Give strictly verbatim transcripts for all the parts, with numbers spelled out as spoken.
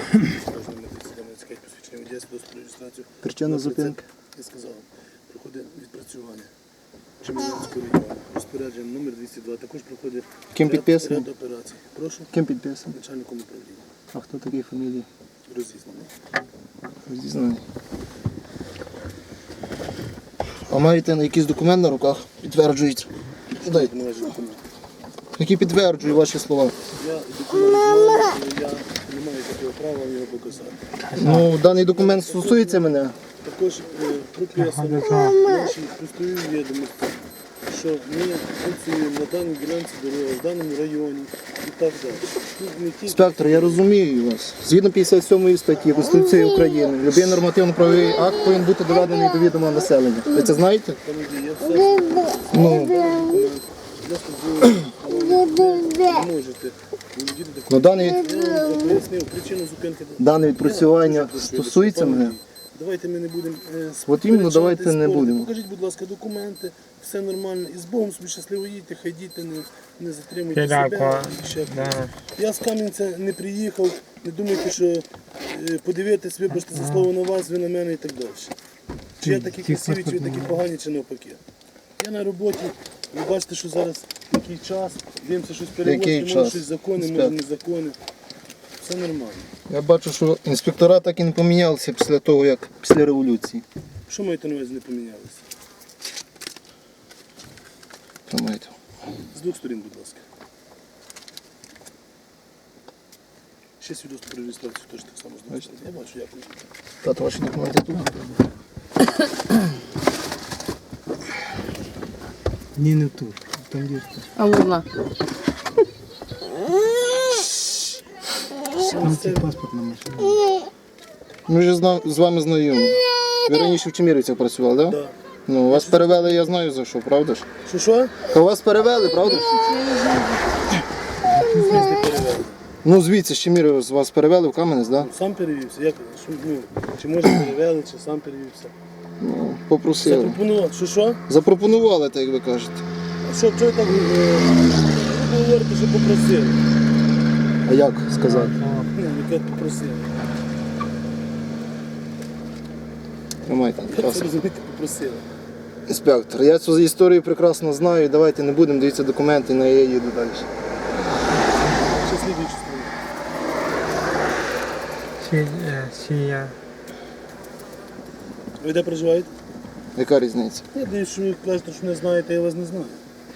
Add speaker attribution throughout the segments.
Speaker 1: Причина зупинки?
Speaker 2: Я сказав, проходить відпрацювання Чемерівського району. Розпорядження номер двісті два. Також проходить
Speaker 1: Ким
Speaker 2: ряд-
Speaker 1: підписано?
Speaker 2: ряд операцій. Прошу,
Speaker 1: Ким підписано?
Speaker 2: начальником управління.
Speaker 1: А хто такий фамілії?
Speaker 2: Розізнаний.
Speaker 1: Розізнаний. А маєте якийсь документ на руках? Підтверджується. Дайте.
Speaker 2: Не ваші документи.
Speaker 1: Які підтверджують ваші слова.
Speaker 2: Я документ знаю, але я не маю такого права вам його показати.
Speaker 1: Ну, даний документ стосується мене.
Speaker 2: Також е, прописано в нашій пристовій відомості, що ми працюємо на даній ділянці дороги, в даному районі і так далі. Тут не тільки
Speaker 1: Інспектор, я розумію вас. Згідно п'ятдесят сьомої статті Конституції України, будь-який нормативно-правовий акт повинен бути доведений до відома населення. Ви це знаєте?
Speaker 2: там є, я все
Speaker 1: Ну,
Speaker 2: для службового, але ви не можете володіти
Speaker 1: ну
Speaker 2: такою.
Speaker 1: даний,
Speaker 2: Я вам пояснив причину зупинки.
Speaker 1: дане відпрацювання
Speaker 2: Я дуже прошу,
Speaker 1: стосується
Speaker 2: пане
Speaker 1: мене.
Speaker 2: Андрій, давайте ми не будемо е,
Speaker 1: От іменно,
Speaker 2: сперечатись,
Speaker 1: давайте не
Speaker 2: спорити.
Speaker 1: будемо.
Speaker 2: Покажіть, будь ласка, документи, все нормально. І з Богом собі щасливо їдьте, хай діти не, не затримуйте
Speaker 3: Дякую.
Speaker 2: себе. І ще
Speaker 3: Да.
Speaker 2: когось. Я з Кам'янця не приїхав, не думайте, що е, подивитись, вибачте за слово на вас, ви на мене і так далі. Чи я такі красиві, чи ви такі погані, чи навпаки. Я на роботі, ви бачите, що зараз такий час, дивимося щось перевозити,
Speaker 1: Який
Speaker 2: може
Speaker 1: час?
Speaker 2: щось закони, може
Speaker 1: Інспектор.
Speaker 2: незакони. Все нормально.
Speaker 1: Я бачу, що інспектора так і не помінялися після того, як після революції.
Speaker 2: Що маєте на увазі не помінялися?
Speaker 1: Тримайте.
Speaker 2: З двох сторін, будь ласка. Ще свідоцтво про реєстрацію теж так само з двох сторін. Я бачу, дякую.
Speaker 1: Тато, ваші документи тут.
Speaker 3: Ні, не тут. Там є.
Speaker 4: А вона.
Speaker 3: Там це паспортна машина.
Speaker 1: Ми вже зна- з вами знайомі. Ви раніше в Чемірівцях працювали, так? Да?
Speaker 2: Да.
Speaker 1: Ну, вас перевели, я знаю за що, правда ж?
Speaker 2: Що що?
Speaker 1: Та вас перевели, правда ж?
Speaker 2: Не перевели.
Speaker 1: Ну, звідси, з Чемірів з вас перевели в Кам'янець, так? Да?
Speaker 2: Сам перевівся. Як, що, ну, чи може перевели, чи сам перевівся.
Speaker 1: Ну, попросили.
Speaker 2: Запропонував. Що що?
Speaker 1: Запропонували, так як ви кажете.
Speaker 2: А що, чого так е, ви говорите, що попросили?
Speaker 1: А як сказати?
Speaker 2: Ну, яке попросили.
Speaker 1: Тримайте, будь
Speaker 2: Як це
Speaker 1: ласка.
Speaker 2: розумієте, попросили?
Speaker 1: Інспектор, я цю історію прекрасно знаю, давайте не будемо дивитися документи, на я їду далі.
Speaker 2: Ще слідуючу сторону.
Speaker 3: Чи, е, чи я.
Speaker 2: Ви де проживаєте?
Speaker 1: Яка різниця?
Speaker 2: Я дивлюсь, що ви кажете, що не знаєте, я вас не знаю.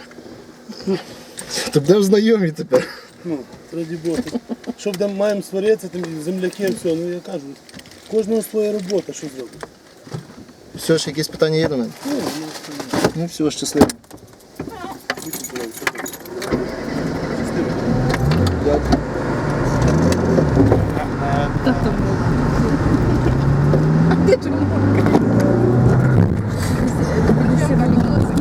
Speaker 1: То будемо знайомі тепер.
Speaker 2: Ну, раді Бога. Що де маємо сваритися, там земляки, все, ну я кажу, кожного своя робота, що зробити.
Speaker 1: Все, ще якісь питання є до мене?
Speaker 2: Ну, я
Speaker 1: Ну, все, щасливо.
Speaker 2: будьте здорові, все добре.
Speaker 1: Дякую.
Speaker 4: Та там